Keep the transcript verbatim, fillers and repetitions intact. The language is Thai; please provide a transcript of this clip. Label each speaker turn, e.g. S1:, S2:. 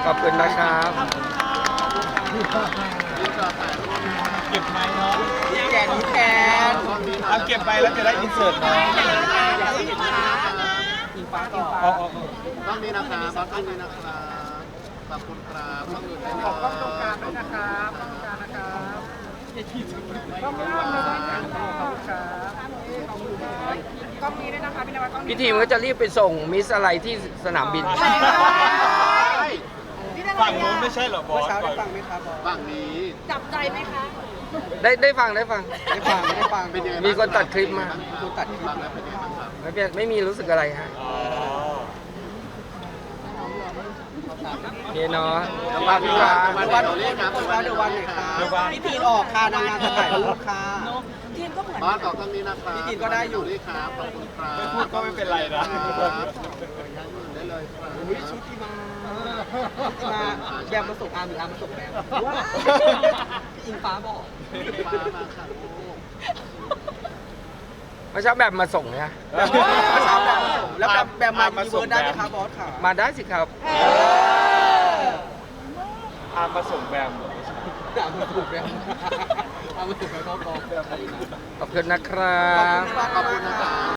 S1: ขอบคุณนะครับ
S2: เก็บไม้เนาะ
S1: แกนแขน
S2: เอาเก็บไปแล้วจะได้อินเสิร์ตเนาะ
S1: อิงฟ้าอิงฟ้า
S2: อ๋ออ๋อ
S3: ต้องนี้นะครับต้องนี้นะครับขอบคุณครับต้องอื่นได้เลย
S1: ขอบคุณตรงกลางด้วยนะครับตรงกลางนะครับต้องกลางเลยนะครับขอบคุณครับกล้องนี้ด้วยนะคะพี่นวัดกล้องพี่ทีมก็จะรีบไปส่งมิสอะไรที่สนามบิน
S2: ฝั่งนู้นไม่ใช่เหรอบอส
S1: เช้าได้ฟังไหมครับ
S3: ฝั่งนี้
S4: จับใจไหมคะ
S1: ได้ได้ฟังได้ฟังได้ฟังได้ฟัง
S3: เป็นยังไง
S1: มีคนตัดคลิปมา
S3: คนตัดคลิปมาแล้วเป็นยังไงบ้างครับ
S1: ไม่เป็นไม่มีรู้สึกอะไรฮะ
S2: อ๋อ
S1: นี่เนาะฝากพี่ฟ้า
S3: วันวันเรียกนะวันเดี๋ยววัน
S2: เดี๋ยวว่า
S1: พี่ทีนออกค่ะนางงามจะถ่ายรูปค่ะ
S4: ทีมก็เหมือน
S3: บ้านต่อต้องนี้นะครับ
S1: พี่กินก็ได้อยู่
S3: นี่ครับขอบคุณครับ
S2: ไม่พูดก็ไม่เป็นไรนะ
S3: ได้เลยครับ
S1: อุ้ยชุดที่มามาแบมมาส่งอาร์มหรืออาร์มมาส่งแบมอิงฟ้าบอก
S3: ฟ้ามาค่ะลูก
S1: มาเช้าแบบมาส่งเนี่ยมาเช้าแบบมาส่งแล้วแบบแบบมาอีเวิร์ดได้ไหมครับบอสค่ะมาได้สิครับ
S2: อามาส่งแบม
S1: อาร์มมาส่งแบมอาร์มมาส่งแบมก็บอกขอบคุณนะครับ
S3: ขอบคุณนะครับ